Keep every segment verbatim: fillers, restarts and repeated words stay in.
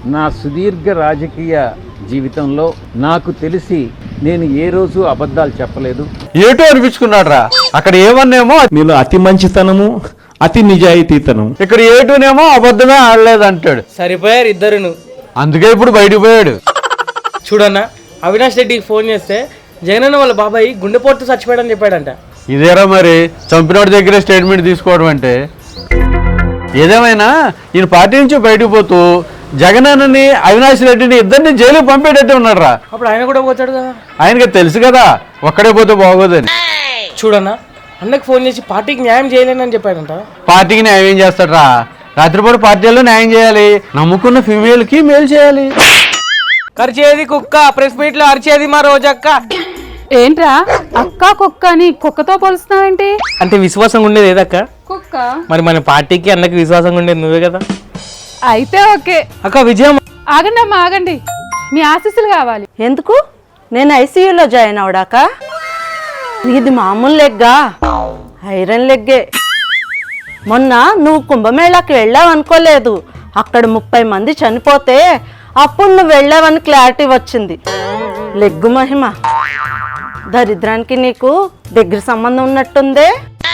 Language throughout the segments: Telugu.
నా సుదీర్ఘ రాజకీయ జీవితంలో నాకు తెలిసి నేను ఏ రోజు అబద్ధాలు చెప్పలేదు. ఏటో అనిపించుకున్నాడు రా. అక్కడ ఏమన్నేమో నీలో అతి మంచితనము, అతి నిజాయితీతనం. ఇక్కడ ఏటోనేమో అబద్ధమే ఆడలేదు అంటాడు. సరిపోయారు ఇద్దరును. అందుకే ఇప్పుడు బయటకు పోయాడు. చూడన్నా, అవినాష్ రెడ్డికి ఫోన్ చేస్తే జగనన్న వాళ్ళ బాబాయ్ గుండెపోటుతో చచ్చిపోయాడని చెప్పాడంట. ఇదేరా మరి చంపినోడి దగ్గరే స్టేట్మెంట్ తీసుకోవడం అంటే. ఏదేమైనా ఈయన పార్టీ నుంచి బయటకు పోతూ జగనన్నని అవినాష్ రెడ్డిని ఇద్దరిని జైలుకి పంపేటట్టు ఉన్నాడు రా. అప్పుడు ఆయన కూడా పోతాడు కదా. ఆయనకి తెలుసు కదా ఒక్కడే పోతే బాగోదని. చూడన్నా, అన్నకు ఫోన్ చేసి పార్టీకి న్యాయం చేయలేనని చెప్పాడంట. పార్టీకి న్యాయం ఏం చేస్తాడు రా? రాత్రిపూట పార్టీలో న్యాయం చేయాలి, నమ్ముకున్న ఫీమేల్ కి మేలు చేయాలి. ఖర్చేది కుక్క, ప్రెస్ మీట్ లో అరిచేది మా రోజక్క. ఏంట్రా అక్క కుక్క అని కుక్కతో పోలుస్తున్నావేంటి? అంటే విశ్వాసంగా ఉండేది ఏదక్క? కుక్క. మరి మన పార్టీకి అన్నకి విశ్వాసంగా ఉండేది నువ్వే కదా. అయితే ఓకే అక్క. విజయం. ఆగండి అమ్మా ఆగండి, మీ ఆశీస్సులు కావాలి. ఎందుకు? నేను ఐసీయూలో జాయిన్ అవడాక? ఇది మామూలు లెగ్గా, ఐరన్ లెగ్గే. మొన్న నువ్వు కుంభమేళాకి వెళ్ళావు అనుకోలేదు, అక్కడ ముప్పై మంది చనిపోతే అప్పుడు నువ్వు వెళ్ళావని క్లారిటీ వచ్చింది. లెగ్గు మహిమ. దరిద్రానికి నీకు దగ్గర సంబంధం ఉన్నట్టుందే.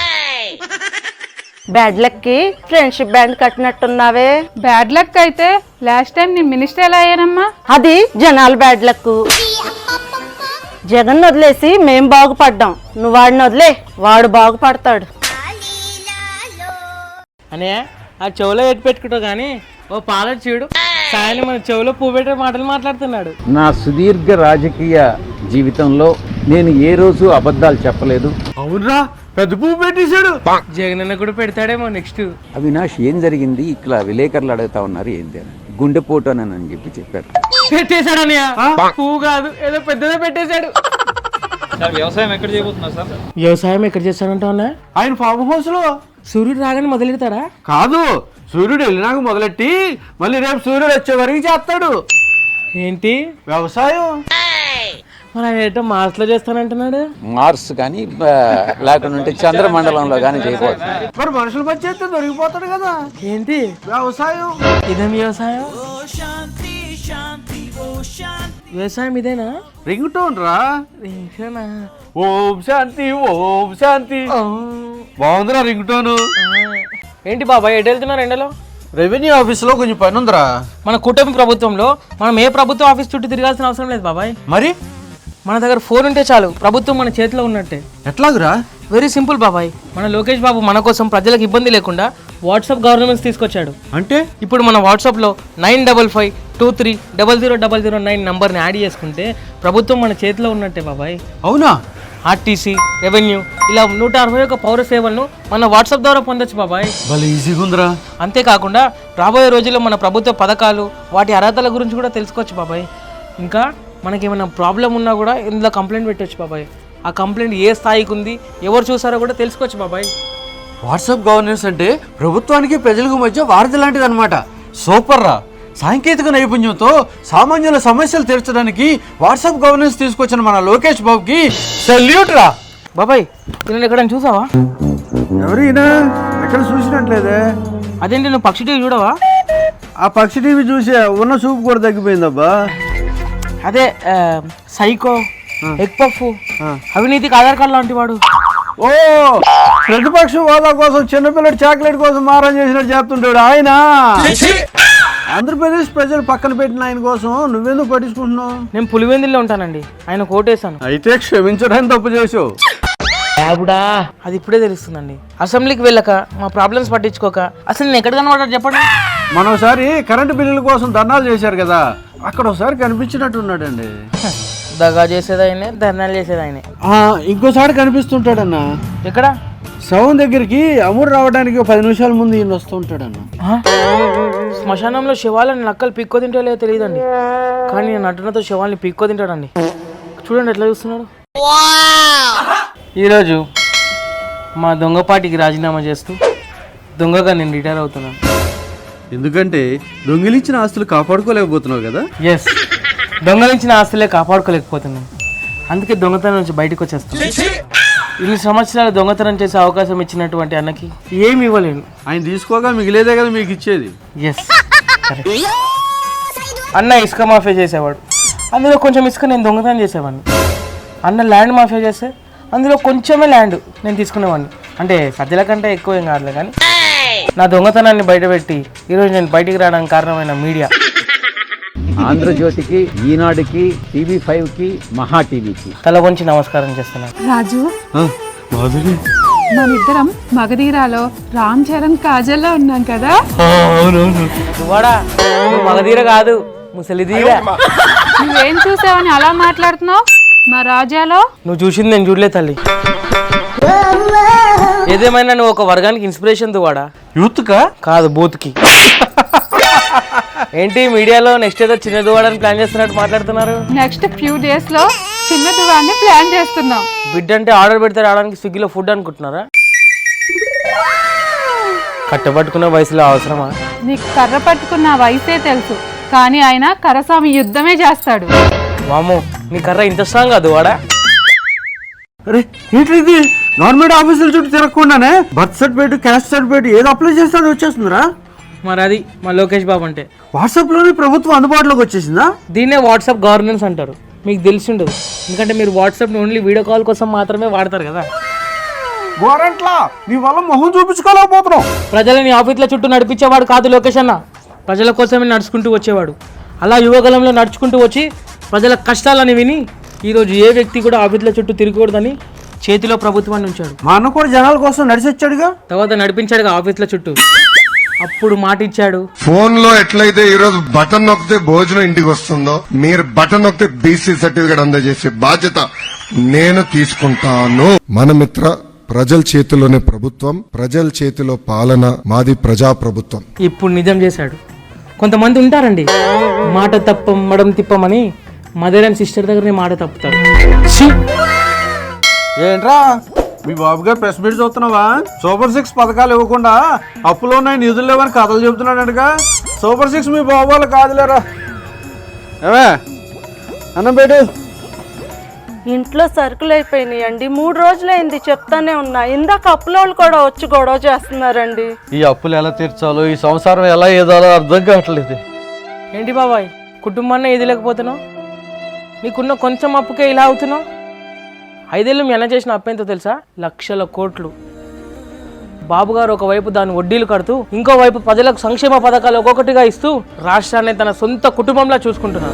బ్యాడ్ లక్ కి ఫ్రెండ్షిప్ బ్యాండ్ కట్టినట్టున్నావే. బ్యాడ్ లక్ అయితే లాస్ట్ టైం నేను మినిస్టర్ ఎలా అయ్యానమ్మా? అది జనాల బ్యాడ్ లక్. జగన్ వదిలేసి మేం బాగుపడ్డాం, నువ్వు వాడిని వదిలే, వాడు బాగుపడతాడు. అనే ఆ చెవులో ఎట్టు పెట్టుకుంటావు కానీ ఓ పాలటి చూడు, సాయని మన చెవులో పువ్వు పెట్టే మాటలు మాట్లాడుతున్నాడు. నా సుదీర్ఘ రాజకీయ జీవితంలో నేను ఏ రోజు అబద్ధాలు చెప్పలేదు. అవునరా, పెద్ద పువ్వు పెట్టేశాడు. జగనన్న కూడా పెడతాడేమో నెక్స్ట్. అవినాష్ ఏం జరిగింది ఇట్లా విలేకరులు అడుగుతా ఉన్నారు ఏంటి అని. గుండెపోటు అని అని చెప్పి చెప్పారు. పెట్టేశాడు అన్నయ్య, పువ్వు కాదు ఏదో పెద్దదే పెట్టేశాడు. వ్యవసాయం ఎక్కడ చేయబోతున్నారు సార్? వ్యవసాయం ఎక్కడ చేస్తాడంటా అన్న? ఆయన ఫామ్ హౌస్ లో. సూర్యుడు రాగానే మొదలెడతాడా? కాదు, సూర్యుడు వెళ్ళినాక మొదలెట్టి మళ్ళీ రేపు సూర్యుడు వచ్చే వరకు చేస్తాడు. ఏంటి వ్యవసాయం? మరి ఆయన ఏంటో మార్స్ లో చేస్తానంటున్నాడు. మార్స్ కానీ లేకుంటే చంద్రమండలంలో కానీ చేయబోతున్నారు. మరి మనుషుల మధ్య చేస్తే దొరికిపోతాడు కదా. ఏంటి వ్యవసాయం? ఇదేం వ్యవసాయం? వ్యవసాయం ఇదేనా? రింగ్ టోన్ రా. రింగ్టోనా? ఓం శాంతి ఓం శాంతి. బాగుందిరా రింగ్ టోను. ఏంటి బాబాయ్ ఎటు వెళ్తున్నారు ఎండలో? రెవెన్యూ ఆఫీస్ లో కొంచెం పని ఉందిరా. మన కూటమి ప్రభుత్వంలో మనం ఏ ప్రభుత్వ ఆఫీస్ చుట్టూ తిరగాల్సిన అవసరం లేదు బాబాయ్. మరి మన దగ్గర ఫోన్ ఉంటే చాలు, ప్రభుత్వం మన చేతిలో ఉన్నట్టే. ఎట్లాగురా? వెరీ సింపుల్ బాబాయ్. మన లోకేష్ బాబు మన కోసం ప్రజలకు ఇబ్బంది లేకుండా వాట్సాప్ గవర్నమెంట్స్ తీసుకొచ్చాడు. అంటే ఇప్పుడు మన వాట్సాప్లో nine double five two three double zero double zero nine నంబర్ని యాడ్ చేసుకుంటే ప్రభుత్వం మన చేతిలో ఉన్నట్టే బాబాయ్. అవునా? ఆర్టీసీ, రెవెన్యూ ఇలా నూట అరవై ఒక పౌర సేవలను మన వాట్సాప్ ద్వారా పొందొచ్చు బాబాయ్. భలే ఈజీగా ఉందిరా. అంతేకాకుండా రాబోయే రోజుల్లో మన ప్రభుత్వ పథకాలు, వాటి అర్హతల గురించి కూడా తెలుసుకోవచ్చు బాబాయ్. ఇంకా మనకి ఏమైనా ప్రాబ్లం ఉన్నా కూడా ఇందులో కంప్లైంట్ పెట్టవచ్చు బాబాయ్. ఆ కంప్లైంట్ ఏ స్థాయికి ఉంది, ఎవరు చూసారో కూడా తెలుసుకోవచ్చు బాబాయ్. వాట్సాప్ గవర్నెన్స్ అంటే ప్రభుత్వానికి ప్రజలకు మధ్య వారధి లాంటిది అనమాట. సూపర్ రా. సాంకేతిక నైపుణ్యంతో సామాన్యుల సమస్యలు తీర్చడానికి వాట్సాప్ గవర్నెన్స్ తీసుకొచ్చిన మన లోకేష్ బాబుకి సెల్యూట్ రా. బాబాయ్ నేను ఎక్కడైనా చూసావా? ఎవరైనా ఎక్కడ చూసినట్లేదే. అదేంటి నువ్వు పక్షి టీవీ చూడవా? ఆ పక్షి టీవీ చూసే ఉన్న చూపు కూడా తగ్గిపోయిందబ్బా. అదే సైకో, ఎగ్ పఫ్, అవినీతికి ఆధార్ కార్డు లాంటి వాడు. ఓ, ప్రతిపక్ష హోదా కోసం చిన్నపిల్లడి చాక్లెట్ కోసం మారం చేసినట్టు చెప్తుంటాడు ఆయన. ఆంధ్రప్రదేశ్ ప్రజలు పక్కన పెట్టిన ఆయన కోసం నువ్వెందుకు పట్టించుకుంటున్నావు? నేను పులివెందుల్లో ఉంటానండి, ఆయన కోటేశాను. అయితే క్షమించడానికి తప్పు చేసావు. అది ఇప్పుడే తెలుస్తుందండి. అసెంబ్లీకి వెళ్ళక మా ప్రాబ్లమ్స్ పట్టించుకోక అసలు నేను ఎక్కడ కనబడ్డాడు చెప్పండి. మనం ఒకసారి కరెంటు బిల్లుల కోసం ధర్నాలు చేశారు కదా, అక్కడ ఒకసారి కనిపించినట్టున్నాడండి. దగా చేసేది ఆయనే, ధర్నాలు చేసేది ఆయనే. ఇంకోసారి కనిపిస్తుంటాడన్న. ఎక్కడ? శవం దగ్గరికి అమూరు రావడానికి ఒక పది నిమిషాల ముందు ఈయన వస్తూ ఉంటాడన్న. శ్మశానంలో శవాలను నక్కలు పిక్కో తింటో లేదో తెలియదండి, కానీ నేను నటనతో శవాల్ని పిక్కో తింటాడండి. చూడండి ఎట్లా చూస్తున్నాడు. ఈరోజు మా దొంగపాటికి రాజీనామా చేస్తూ దొంగగా నేను రిటైర్ అవుతున్నాను. ఎందుకంటే దొంగిలించిన ఆస్తులు కాపాడుకోలేకపోతున్నావు కదా. ఎస్, దొంగలించిన ఆస్తులే కాపాడుకోలేకపోతున్నాను, అందుకే దొంగతనం నుంచి బయటకు వచ్చేస్తాను. ఇన్ని సంవత్సరాలు దొంగతనం చేసే అవకాశం ఇచ్చినటువంటి అన్నకి ఏమి ఇవ్వలేను. ఆయన తీసుకోగా మిగిలేదే కదా మీకు ఇచ్చేది. ఎస్, అన్న ఇసుక మాఫియా చేసేవాడు, అందులో కొంచెం ఇసుక నేను దొంగతనం చేసేవాడిని. అన్న ల్యాండ్ మాఫియా చేస్తే అందులో కొంచెమే ల్యాండ్ నేను తీసుకునేవాడిని. అంటే సజ్జల కంటే ఎక్కువ ఏం కాదులే, కానీ నా దొంగతనాన్ని బయటపెట్టి ఈరోజు నేను బయటికి రావడానికి కారణమైన మీడియా. ఆంధ్రజ్యోతికి, ఈనాడుకి, టీవీ ఫైవ్ కి, మహా టీవీకి తల వంచి నమస్కారం చేస్తున్నాను. రాజు మనిద్దరం మగధీరాలో రామ్ చరణ్ కాజల్లో ఉన్నాం కదా. నువ్వాడా, నువ్వు మగధీర కాదు, ముసలిధీర. నువ్వేం చూసావని అలా మాట్లాడుతున్నావు? మా రాజాలో నువ్వు చూసింది నేను చూడలే తల్లి. ఏదేమైనా నువ్వు ఒక వర్గానికి ఇన్స్పిరేషన్ దువాడా, యూత్కా కాదు బూత్కి. ఏంటి మీడియాలో నెక్స్ట్ ఏదో చిన్న దువాడని ప్లాన్ చేస్తున్నట్టు మాట్లాడుతున్నారు? నెక్స్ట్ ఫ్యూ డేస్ లో చిన్న దువాన్ని ప్లాన్ చేస్తున్నాం. బిడ్డ అంటే ఆర్డర్ పెడితే రావడానికి స్విగ్గీలో ఫుడ్ అనుకుంటున్నారా? కట్టబట్టుకున్న వయసులో అవసరమా? నీకు కర్ర పట్టుకున్న వయసే తెలుసు, కానీ ఆయన కరస్వామి యుద్ధమే చేస్తాడు. వాము, నీ కర్ర ఇంత స్ట్రాంగ్ కాదు వాడా? అరే ఏంటి ఇది? గవర్నమెంట్ ఆఫీసుల చుట్టూ తిరగకుండానే బర్త్ సర్టిఫికేట్, క్యాస్ట్ సర్టిఫికేట్ ఏదో అప్లై చేస్తాడు వచ్చేస్తుందిరా. మరి అది మా లోకేష్ బాబు అంటే. వాట్సాప్లోనే ప్రభుత్వం అందుబాటులోకి వచ్చేసిందా? దీన్నే వాట్సాప్ గవర్నెన్స్ అంటారు. మీకు తెలిసి ఉండదు, ఎందుకంటే మీరు వాట్సాప్ని ఓన్లీ వీడియో కాల్ కోసం మాత్రమే వాడతారు కదా. గోరంట్లా నీ వల్ల మొహం చూపించుకోలేకపోతున్నావు. ప్రజలని ఆఫీసుల చుట్టూ నడిపించేవాడు కాదు లోకేష్ అన్న, ప్రజల కోసమే నడుచుకుంటూ వచ్చేవాడు. అలా యువగలంలో నడుచుకుంటూ వచ్చి ప్రజల కష్టాలని విని ఈరోజు ఏ వ్యక్తి కూడా ఆఫీసుల చుట్టూ తిరగకూడదని చేతిలో ప్రభుత్వాన్ని ఉంచాడు. మా అన్న కూడా జనాల కోసం నడిచొచ్చాడుగా, తర్వాత నడిపించాడుగా ఆఫీసుల చుట్టూ. అప్పుడు మాట ఇచ్చాడు. ఫోన్ లో ఎట్లయితే ఈ రోజు బటన్ నొక్కితే భోజనం ఇంటికి వస్తుందో, మీరు బటన్ నొక్కితే బీసీ సర్టిఫికేట్ అందజేసే బాధ్యత నేను తీసుకుంటాను. మన మిత్ర ప్రజల చేతిలోనే ప్రభుత్వం, ప్రజల చేతిలో పాలన, మాది ప్రజా ప్రభుత్వం. ఇప్పుడు నిజం చేశాడు. కొంతమంది ఉంటారండి, మాట తప్పం మడం తిప్పమని మదర్ అండ్ సిస్టర్ దగ్గరనే మాట తప్పుతారు. ఛీ! ఏంట్రా మీ బాబు గారు ప్రెస్ మీట్ చూస్తున్నావా? సూపర్ సిక్స్ పథకాలు ఇవ్వకుండా అప్పులో ఉన్నాయి నిధులు లేవని కథలు చెబుతున్నాడంటగా. సూపర్ సిక్స్ మీ బాబు వాళ్ళు కాదులేరా. ఏమే అన్నం పెట్టు. ఇంట్లో సరుకులు అయిపోయినాయండి, మూడు రోజులైంది చెప్తానే ఉన్నా. ఇందాక అప్పులోళ్ళు కూడా వచ్చి గొడవ చేస్తున్నారండి. ఈ అప్పులు ఎలా తీర్చాలో, ఈ సంసారం ఎలా ఏదాలో అర్థం కావట్లేదు. ఏంటి బాబాయ్, కుటుంబాన్ని ఇది లేకపోతున్నావు? నీకున్న కొంచెం అప్పుకే ఇలా అవుతున్నావు? ఐదేళ్ళు మీ అన్న చేసిన అప్పు ఎంతో తెలుసా? లక్షల కోట్లు. బాబుగారు ఒకవైపు దాని వడ్డీలు కడుతూ, ఇంకోవైపు ప్రజలకు సంక్షేమ పథకాలు ఒక్కొక్కటిగా ఇస్తూ రాష్ట్రాన్ని తన సొంత కుటుంబంలా చూసుకుంటున్నారు.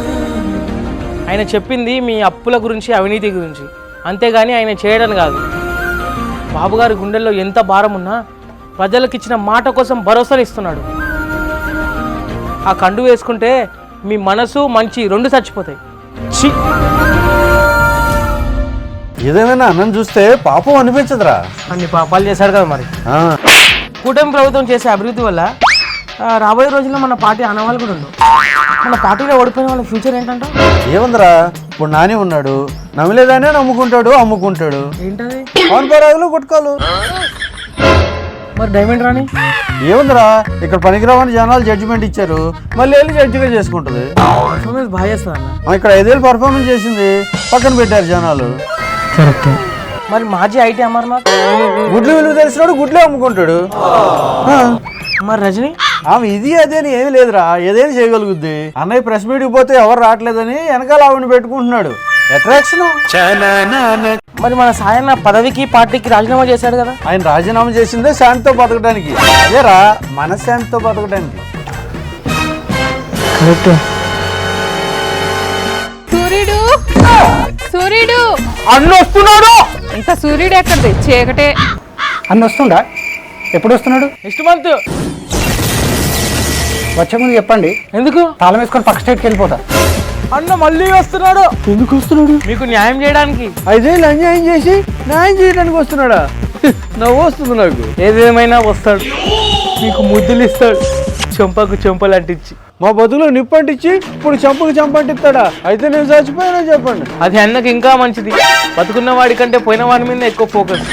ఆయన చెప్పింది మీ అప్పుల గురించి, అవినీతి గురించి, అంతేగాని ఆయన చేయడం కాదు. బాబుగారి గుండెల్లో ఎంత భారం ఉన్నా ప్రజలకు ఇచ్చిన మాట కోసం భరోసాను ఇస్తున్నాడు. ఆ కండు వేసుకుంటే మీ మనసు మంచి రెండు చచ్చిపోతాయి. ఛీ! ఏదేమైనా అన్నం చూస్తే పాపం అనిపించదురా. అన్ని పాపాలు చేశాడు కదా మరి. కూటమి ప్రభుత్వం చేసే అభివృద్ధి వల్ల ఆ, రాబోయే రోజుల్లో మన పార్టీ ఆనవాళ్ళు కూడా ఉండవు. మన పార్టీలో ఓడిపోయిన వాళ్ళ ఫ్యూచర్ ఏంటంటే ఏముందిరా, ఇప్పుడు నాని ఉన్నాడు, నమ్మలేదానే నమ్ముకుంటాడు, అమ్ముకుంటాడు. ఏంటది? పవన్ పరాగులు గుట్కాలు. మరి డైమండ్ రాని ఏముందిరా, ఇక్కడ పనికిరావని జనాలు జడ్జిమెంట్ ఇచ్చారు, మళ్ళీ వెళ్ళి జడ్జిగా చేసుకుంటది. పర్ఫార్మెన్స్ బాగా చేస్తుంది అన్న. ఇక్కడ ఐదేళ్ళు పర్ఫార్మెన్స్ చేసింది, పక్కన పెట్టారు జనాలు. కరెక్ట్. మరి మాజీ ఐటీ అమర్నాథ్ గుడ్లు విలువ తెలిసినాడు, గుడ్లే అమ్ముకుంటాడు. మరి రజనీ ఆమె ఇది అదే అని ఏమి లేదురా, ఏదైనా చేయగలుగుద్ది. అన్నయ్య ప్రెస్ మీట్కి పోతే ఎవరు రావట్లేదని వెనకాల ఆవిడని పెట్టుకుంటున్నాడు. అట్రాక్షన్. మరి మన సాయన్న పదవికి పార్టీకి రాజీనామా చేశాడు కదా. ఆయన రాజీనామా చేసిందే శాంతితో బతకడానికి. అదేరా మన శాంతితో బతకడానికి. కరెక్ట్. సూర్యుడు సూర్యుడు అన్న వస్తున్నాడు. ఇంకా సూర్యుడు ఎక్కడిది? చీకటే. అన్న వస్తుండా? ఎప్పుడు వస్తున్నాడు? Next month. వచ్చే ముందు చెప్పండి, ఎందుకు? తాళం వేసుకొని పక్క స్టేట్కి వెళ్ళిపోతా. అన్న మళ్ళీ వస్తున్నాడు. ఎందుకు వస్తున్నాడు? మీకు న్యాయం చేయడానికి. ఐదేళ్ళు అన్యాయం చేసి న్యాయం చేయడానికి వస్తున్నాడా? నవ్వు వస్తుంది నాకు. ఏదేమైనా వస్తాడు, మీకు ముద్దులు ఇస్తాడు, చెంపకు చెంపలు అంటించి. మా బతులో నిప్పు అంటించి ఇప్పుడు చంపకు చంప అంటిస్తాడా? అయితే నేను చచ్చిపోయానని చెప్పండి. అది అన్నకి ఇంకా మంచిది. బతుకున్న వాడి కంటే పోయిన వాడి మీద ఎక్కువ ఫోకస్.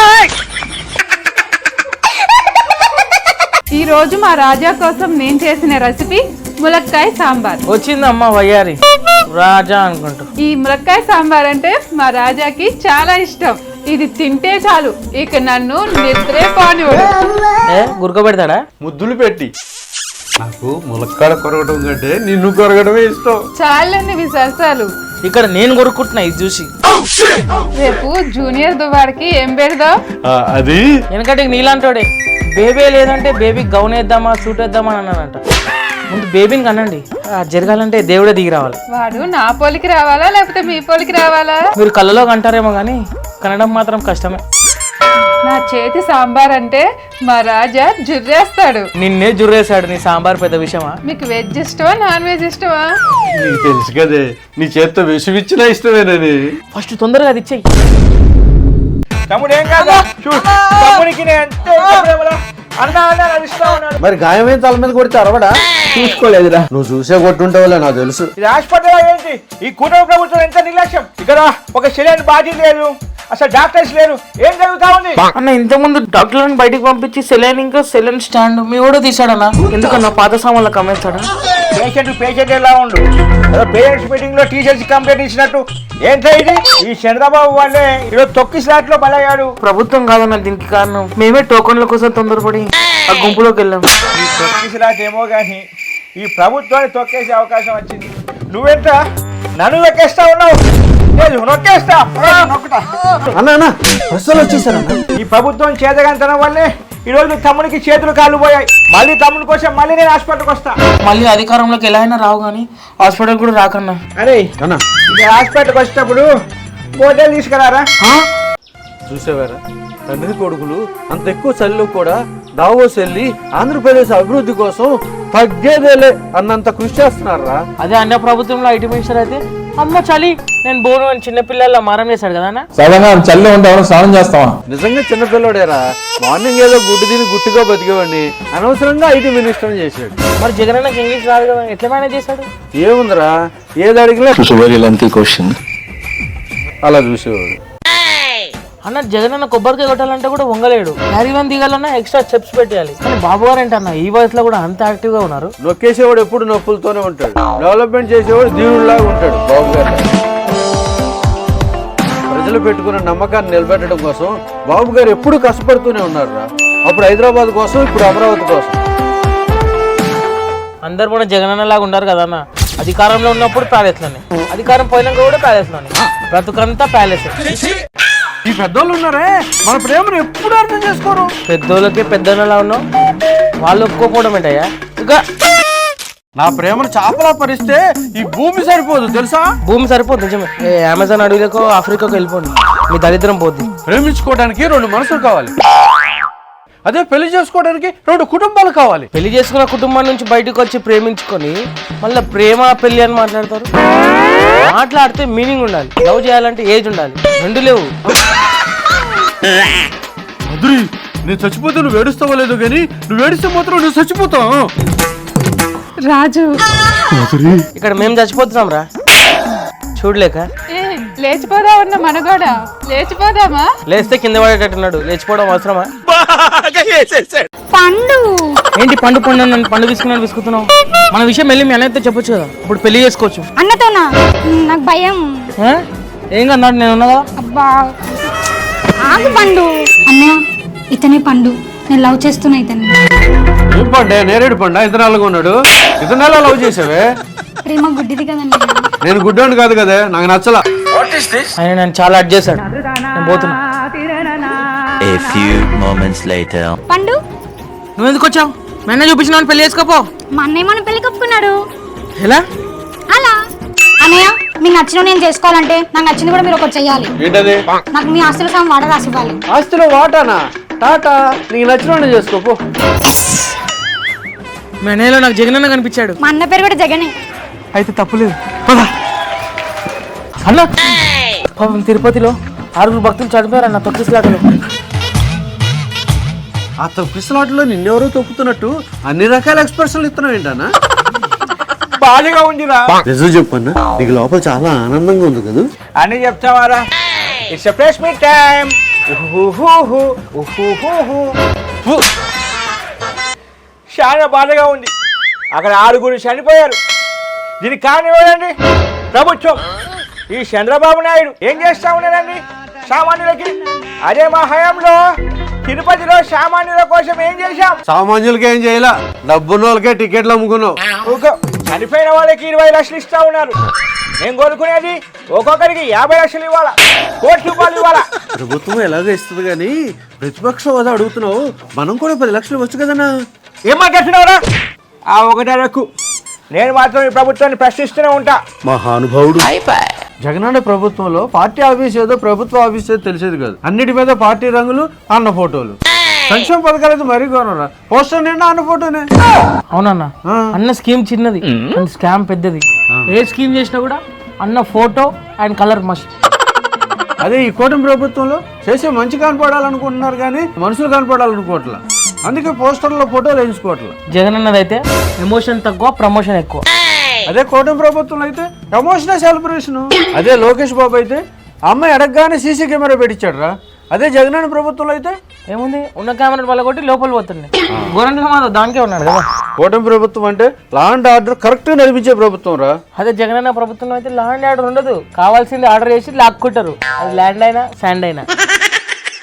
ఈ రోజు మా రాజా కోసం నేను చేసిన రెసిపీ ములక్కాయ సాంబార్. వచ్చిందమ్మా వయ్యారి రాజా అనుకుంటూ. ఈ ములక్కాయ సాంబార్ అంటే మా రాజాకి చాలా ఇష్టం. ఇది తింటే చాలు, ఇక నన్ను నిద్రే పోనివ్వడు. ఏ గురక పెడతాడా? ముద్దులు పెట్టి నాకు ములక్కాడ కొరగడం కంటే నిన్ను కొరగడమే ఇష్టం. చాలండి మీ సరసాలు. ఇక్కడ నేను కొరుక్కుంటున్నా ఇది చూసి. రేపు జూనియర్ దువాడికి ఏం పెడదాం? ఆ, అది వెనకటి నీలాంటోడే బేబీ లేదంటే బేబీ గౌన్ వేద్దామా సూట్ వేద్దామా అని అన్నానంట. ముందు బేబీని కనండి. జరగాలంటే దేవుడే దిగి రావాలి. వాడు నా పోలికి రావాలా లేకపోతే మీ పోలికి రావాలా? మీరు కళ్ళలో కంటారేమో కానీ కనడం మాత్రం కష్టమే. నా చేతి సాంబార్ అంటే మా రాజా జుర్రేస్తాడు. నిన్నే జుర్రేశాడు. నీ సాంబార్ పెద్ద విషయమా? మీకు వెజ్ ఇష్టమా నాన్ వెజ్ ఇష్టమా? నీకు తెలుసు కదే నీ చేత్తో విషమిచ్చినా ఇష్టమేనని. ఫస్ట్ తొందరగా అది ఇచ్చేయి. తమ్ముడు ఏం కాదా తమ్ముడికి మరి గాయమైన తల మీద కొడితే అరవడా? చూసుకోలేదురా. నువ్వు చూసే కొట్టుంటావులే నాకు తెలుసు. ఇది హాస్పిటల్ ఏంటి? ఈ కూటమి ప్రభుత్వం ఎంత నిర్లక్ష్యం. ఇక్కడ ఒక సెలైన్ బాడీ లేదు, అసలు డాక్టర్స్ లేరు. ఏం జరుగుతా ఉంది అన్న? ఇంతకుముందు డాక్టర్లను బయటికి పంపించి సెలైన్ ఇంకా సెలైన్ స్టాండ్ మీ కూడా తీసాడన్నా. ఎందుకన్నా పాత సామాన్లకు అమ్మేస్తాడా? పేషెంట్ పేషెంట్ ఎలా ఉండు. పేరెంట్స్ మీటింగ్ లో టీచర్స్ కంప్లైంట్ ఇచ్చినట్టు ఏంటో ఇది. ఈ చంద్రబాబు వాళ్ళే ఈరోజు తొక్కి స్లాట్ లో బలయ్యాడు. ప్రభుత్వం కాదన్న దీనికి కారణం. మేమే టోకన్ల కోసం తొందరపడి ఆ గుంపులోకి వెళ్ళాము. ఈ తొక్కి స్లాట్ ఏమో కానీ ఈ ప్రభుత్వాన్ని తొక్కేసే అవకాశం వచ్చింది. నువ్వెంత నన్ను నొక్కేస్తా ఉన్నావు. నొక్కేస్తా అన్న అన్న బస్సులు వచ్చేసారన్న. ఈ ప్రభుత్వం చేతగంతనం వల్లే ఈ రోజు తమ్ముడికి చేతులు కాళ్ళు పోయాయి. మళ్ళీ తమ్ముడి కోసం మళ్ళీ నేను హాస్పిటల్కి వస్తా. మళ్ళీ అధికారంలోకి ఎలా అయినా రావు కానీ హాస్పిటల్ కూడా రాకన్నా. అరే అన్న ఇది హాస్పిటల్కి వచ్చేటప్పుడు మోటల్ తీసుకురారా. చూసేవారా, తండ్రి కొడుకులు అంత ఎక్కువ చలిలో కూడా దావోస్ వెళ్ళి ఆంధ్రప్రదేశ్ అభివృద్ధి కోసం తగ్గేదేలే అన్నంత కృషి చేస్తున్నారా. అదే అన్న ప్రభుత్వంలో ఐటీ మినిస్టర్ అయితే అమ్మ చలి నేను బోను అని చిన్నపిల్లల మారం చేశాడు కదా అన్న. సడన్గా చల్లి ఉంటే ఎవరైనా స్నానం చేస్తావా? నిజంగా చిన్నపిల్లడేరా. మార్నింగ్ ఏదో గుడ్డు తిని గుట్టుగా బతికేవాడిని అనవసరంగా ఐటీ మినిస్టర్ చేశాడు. మరి జగన్ అన్నకి ఇంగ్లీష్ రాదు కదా, ఎట్లా మేనేజ్ చేశాడు? ఏముందిరా, ఏది అడిగినా అలా చూసేవాడు. అన్న జగన్ అన్న కొబ్బరికాయ కొట్టాలంటే కూడా వంగలేడు. క్యారీవన్ దిగాలన్నా ఎక్స్ట్రా స్టెప్స్ పెట్టాలి. కానీ బాబు గారు ఏంటన్న ఈ వయసులో కూడా అంత యాక్టివ్ గా ఉన్నారు. నొక్కేసేవాడు ఎప్పుడు నొప్పులతోనే ఉంటాడు. డెవలప్మెంట్ చేసేవాడు దేవుడిలాగా ఉంటాడు బాబు గారు. ప్రజలు పెట్టుకున్న నమ్మకాన్ని నిలబెట్టడం కోసం బాబు గారు ఎప్పుడు కష్టపడుతూనే ఉన్నారు రా. అప్పుడు హైదరాబాద్ కోసం, ఇప్పుడు అమరావతి కోసం. అందరు కూడా జగన్ అన్న లాగా ఉన్నారు కదా అన్న. అధికారంలో ఉన్నప్పుడు ప్యాలెస్ లోనే, అధికారం పోయినాక కూడా ప్యాలెస్ లోనే, బ్రతుకంతా ప్యాలెస్. ఈ పెద్దోళ్ళు ఉన్నారే మన ప్రేమను ఎప్పుడు అర్థం చేసుకోరు. పెద్దోళ్ళకి పెద్దోళ్ళలా ఉన్నావు, వాళ్ళు ఒప్పుకోకపోవడం ఏంటయ్యా? ఇంకా నా ప్రేమను చాపలా పరిస్తే ఈ భూమి సరిపోదు తెలుసా. భూమి సరిపోదు నిజమే. ఏ అమెజాన్ అడవిలకు ఆఫ్రికాకు వెళ్ళిపోండి, మీ దరిద్రం పోద్ది. ప్రేమించుకోవడానికి రెండు మనసులు కావాలి, అదే పెళ్లి చేసుకోవడానికి రెండు కుటుంబాలు కావాలి. పెళ్లి చేసుకున్న కుటుంబం నుంచి బయటకు వచ్చి ప్రేమించుకొని మళ్ళీ ప్రేమ పెళ్లి అని మాట్లాడతారు. మాట్లాడితే మీనింగ్ ఉండాలి. లవ్ చేయాలంటే ఏజ్ ఉండాలి. రెండు లేవు. మధురి, నేను చచ్చిపోతే నువ్వు ఏడుస్తావో లేదో కానీ నువ్వు ఏడిస్తే మాత్రం నువ్వు చచ్చిపోతావు. రాజు ఇక్కడ మేము చచ్చిపోతున్నాం రా చూడలేక. ఏ, లేచిపోదా ఉన్న మనగోడ లేచిపోదామా? లేస్తే కింద పడేటట్టున్నాడు. లేచిపోవడం అవసరమా? పండు ఏంటి పండు పండు నన్ను పండు తీసుకున్నాను విసుకుతున్నావు. మన విషయం వెళ్ళి మీ అన్నయ్యతో చెప్పొచ్చు కదా, ఇప్పుడు పెళ్లి చేసుకోవచ్చు. అన్నతోనా? నాకు భయం. ఆ? ఏం కన్నాడు నేను ఉన్నా కదా. అబ్బా ఆగు పండు. అన్నయ్య ఇతనే పండు, నేను లవ్ చేస్తున్నా ఇతని. ఏం పండే నేరేడు పండా ఇతనాలుగా ఉన్నాడు. ఇతనాలా లవ్ చేసావే? ప్రేమ గుడ్డిది కదన్నయ్య. నేను గుడ్డోని కాదు కదా, నాకు నచ్చలా. ఆయన నన్ను చాలా అడ్ చేశాడు. నేను పోతున్నా. A few moments later. పండు నువ్వు ఎందుకు వచ్చావు? మెన్న చూపించిన పెళ్లి చేసుకోపో. మా అన్నయ్య మన పెళ్లి కప్పుకున్నాడు. ఎలా? అలా అన్నయ్య మీకు నచ్చిన నేను చేసుకోవాలంటే నాకు నచ్చింది కూడా మీరు ఒకటి చెయ్యాలి. ఏంటది? నాకు మీ ఆస్తుల సగం వాట రాసి ఇవ్వాలి. ఆస్తిలో వాటానా? టాటా, నీకు నచ్చిన చేసుకోపో. మెనలో నాకు జగన్ అన్న కనిపించాడు. మా అన్న పేరు కూడా జగనే. అయితే తప్పులేదు. అన్న పాపం తిరుపతిలో ఆరుగురు భక్తులు చనిపోయారు అన్న తొక్కిసలాటలో. ఆ తొక్కిసలాటలో నిన్నెవరో తొక్కుతున్నట్టు అన్ని రకాల ఎక్స్ప్రెషన్లు ఇస్తున్నావు ఏంటన్నా? బాధగా ఉందిరా. నిజం చెప్పన్నా, నీకు లోపల చాలా ఆనందంగా ఉంది కదా అని చెప్తావారా? It's a fresh meet time. చాలా బాధగా ఉంది. అక్కడ ఆరుగురు చనిపోయారు. దీనికి కారణం ఎవరండి? ప్రభుత్వం. ఈ చంద్రబాబు నాయుడు ఏం చేస్తా ఉన్నారండి సామాన్యులకి? అదే మా హయాంలో తిరుపతిలో సామాన్యుల కోసం ఏం చేశాం? సామాన్యులకి ఏం చేయాల, డబ్బున్న వాళ్ళకే టికెట్లు అమ్ముకున్నావు. ఊకో. చనిపోయిన వాళ్ళకి ఇరవై లక్షలు ఇస్తా ఉన్నారు. నేను కోరుకునేది ఒక్కొక్కరికి యాభై లక్షలు ఇవ్వాలా, కోటి రూపాయలు ఇవ్వాలా. ప్రభుత్వం ఎలాగో ఇస్తుంది కానీ ప్రతిపక్ష హోదా అడుగుతున్నావు, మనం కూడా పది లక్షలు వచ్చు కదన్నా. ఏం మాట్లాడుతున్నావురా? ఆ ఒకటే రక్కు. నేను మాత్రం ఈ ప్రభుత్వాన్ని ప్రశ్నిస్తూనే ఉంటా. మహానుభావుడు. జగనన్న ప్రభుత్వంలో పార్టీ ఆఫీస్ ఏదో ప్రభుత్వ ఆఫీస్ ఏదో తెలిసేది కాదు. అన్నిటి మీద పార్టీ రంగులు, అన్న ఫోటోలు. సంక్షేమ పథకాలు అయితే మరీ గౌరవరా, పోస్టర్ నిండా అన్న ఫోటోనే. అవునన్నా, అన్న స్కీమ్ చిన్నది, స్కామ్ పెద్దది. ఏ స్కీమ్ చేసినా కూడా అన్న ఫోటో అండ్ కలర్ మస్ట్. అదే ఈ కూటమి ప్రభుత్వంలో చేసే మంచి కనపడాలనుకుంటున్నారు కానీ మనుషులు కనపడాలనుకోవట్లా. అందుకే పోస్టర్లో ఫోటోలు వేయించుకోవట్లా. జగన్ అన్నది అయితే ఎమోషన్ తక్కువ, ప్రమోషన్ ఎక్కువ. అదే కూటమి ప్రభుత్వంలో అయితే ఎమోషనల్ సెలబ్రేషన్. అదే లోకేష్ బాబు అయితే అమ్మాయి అడగగానే సీసీ కెమెరా పెట్టించాడు రా. అదే జగనన్న ప్రభుత్వంలో అయితే ఏముంది, ఉన్న కెమెరా వల్ల కొట్టి లోపల పోతుంది. గోరంట్ల మాధవ్ దానికే ఉన్నాడు కదా. కూటమి ప్రభుత్వం అంటే లా అండ్ ఆర్డర్ కరెక్ట్ గా నడిపించే ప్రభుత్వం రా. అదే జగనన్న ప్రభుత్వంలో అయితే లా అండ్ ఆర్డర్ ఉండదు. కావాల్సింది ఆర్డర్ చేసి లాక్కుంటారు. అది ల్యాండ్ అయినా శాండ్ అయినా.